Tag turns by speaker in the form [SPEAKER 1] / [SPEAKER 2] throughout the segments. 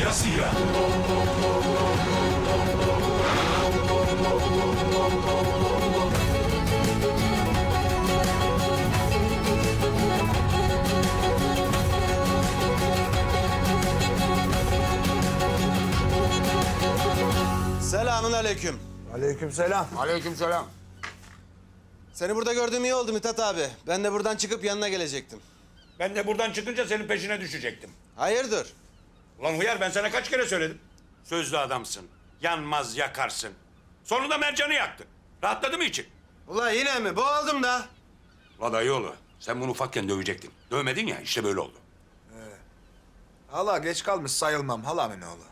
[SPEAKER 1] siyah.
[SPEAKER 2] Selamun aleyküm.
[SPEAKER 3] Aleykümselam.
[SPEAKER 4] Aleykümselam.
[SPEAKER 2] Seni burada gördüğüm iyi oldu Mithat abi. Ben de buradan çıkıp yanına gelecektim.
[SPEAKER 1] Ben de buradan çıkınca senin peşine düşecektim.
[SPEAKER 2] Hayırdır?
[SPEAKER 1] Ulan hıyar, ben sana kaç kere söyledim. Sözlü adamsın. Yanmaz yakarsın. Sonunda Mercan'ı yaktın. Rahatladı mı için?
[SPEAKER 2] Ula yine mi? Boğuldum da.
[SPEAKER 1] Ulan dayıoğlu, sen bunu ufakken dövecektin. Dövmedin ya, işte böyle oldu.
[SPEAKER 3] Hala geç kalmış sayılmam halamın oğlu.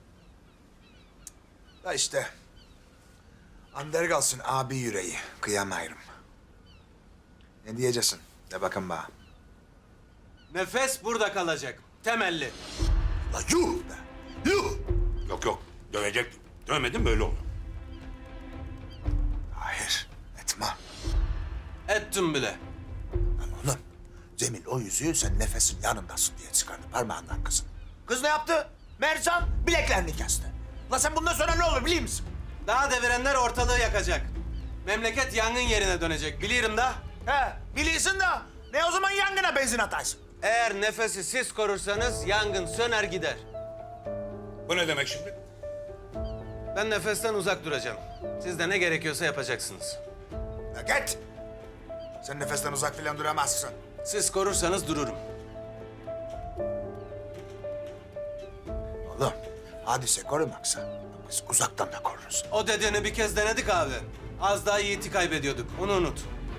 [SPEAKER 3] Da işte. Ander kalsın abi yüreği. Kıyamayırım. Ne diyeceksin? De bakın bana.
[SPEAKER 2] Nefes burada kalacak. Temelli.
[SPEAKER 3] La yuh be. Yuh.
[SPEAKER 1] Yok yok, dövecektin. Dövmedin, böyle oldu.
[SPEAKER 3] Hayır. Etme.
[SPEAKER 2] Ettim bile.
[SPEAKER 3] Lan oğlum. Cemil o yüzüğü sen nefesin yanındasın diye çıkardı parmağından kızın. Kız ne yaptı? Mercan bileklerini kesti. La sen bundan sonra ne olur biliyor musun?
[SPEAKER 2] Daha devirenler ortalığı yakacak. Memleket yangın yerine dönecek. Biliyorum da.
[SPEAKER 3] He biliyorsun da ne o zaman yangına benzin ataysın?
[SPEAKER 2] Eğer nefesi siz korursanız yangın söner gider.
[SPEAKER 1] Bu ne demek şimdi?
[SPEAKER 2] Ben nefesten uzak duracağım. Siz de ne gerekiyorsa yapacaksınız.
[SPEAKER 3] La git. Sen nefesten uzak filan duramazsın.
[SPEAKER 2] Siz korursanız dururum.
[SPEAKER 3] Oğlum hadise korumaksa biz uzaktan da koruruz.
[SPEAKER 2] O dediğini bir kez denedik abi. Az daha Yiğit'i kaybediyorduk. Onu unut.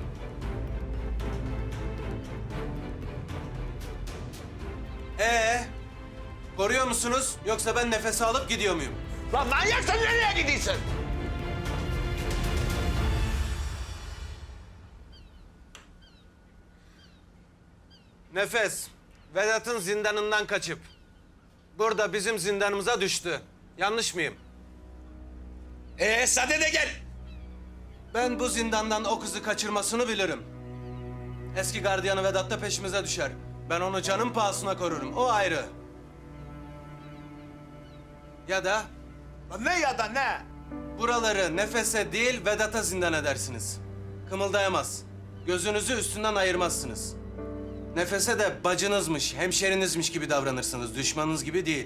[SPEAKER 2] Koruyor musunuz? Yoksa ben nefes alıp gidiyor muyum?
[SPEAKER 3] Lan manyak sen nereye gidiyorsun?
[SPEAKER 2] Nefes, Vedat'ın zindanından kaçıp burada bizim zindanımıza düştü. Yanlış mıyım?
[SPEAKER 1] Sade de gel.
[SPEAKER 2] Ben bu zindandan o kızı kaçırmasını bilirim. Eski gardiyanı Vedat da peşimize düşer. Ben onu canım pahasına korurum. O ayrı. Ya da
[SPEAKER 3] Lan ne ya da ne?
[SPEAKER 2] buraları Nefes'e değil Vedat'a zindan edersiniz. Kımıldayamaz. Gözünüzü üstünden ayırmazsınız. Nefes'e de bacınızmış, hemşerinizmiş gibi davranırsınız. Düşmanınız gibi değil.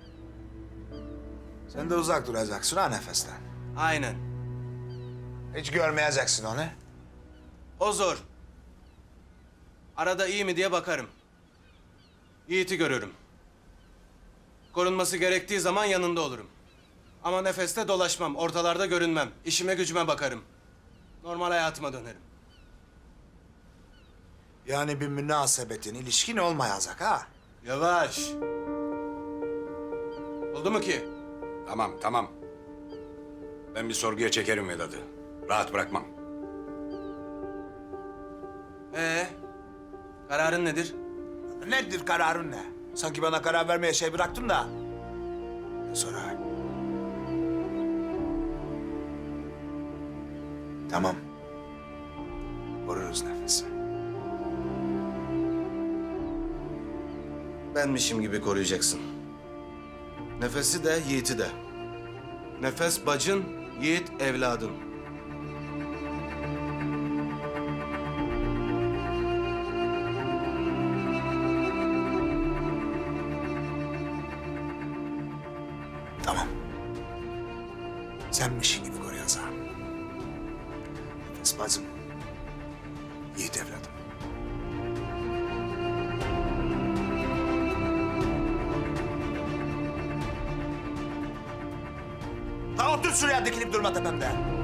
[SPEAKER 3] Sen de uzak duracaksın ha nefesten.
[SPEAKER 2] Aynen.
[SPEAKER 3] Hiç görmeyeceksin onu.
[SPEAKER 2] O zor. Arada iyi mi diye bakarım. Yiğit'i görürüm. Korunması gerektiği zaman yanında olurum. Ama nefeste dolaşmam, ortalarda görünmem. İşime gücüme bakarım. Normal hayatıma dönerim.
[SPEAKER 3] Yani bir münasebetin, ilişkin olmayacak ha.
[SPEAKER 2] Yavaş. Oldu mu ki?
[SPEAKER 1] Tamam tamam. Ben bir sorguya çekerim Vedat'ı. Rahat bırakmam.
[SPEAKER 2] Kararın nedir?
[SPEAKER 3] Nedir kararın ne? Sanki bana karar vermeye şey bıraktın da. Sonra. Tamam. Koruruz nefesi.
[SPEAKER 2] Benmişim gibi koruyacaksın. Nefesi de, Yiğit'i de. Nefes bacın, Yiğit evladın.
[SPEAKER 3] Tamam. Senmişin gibi koruyacağım. Nefes bacım. Yiğit evladım. Ha otur şuraya dikilip durma tepemde.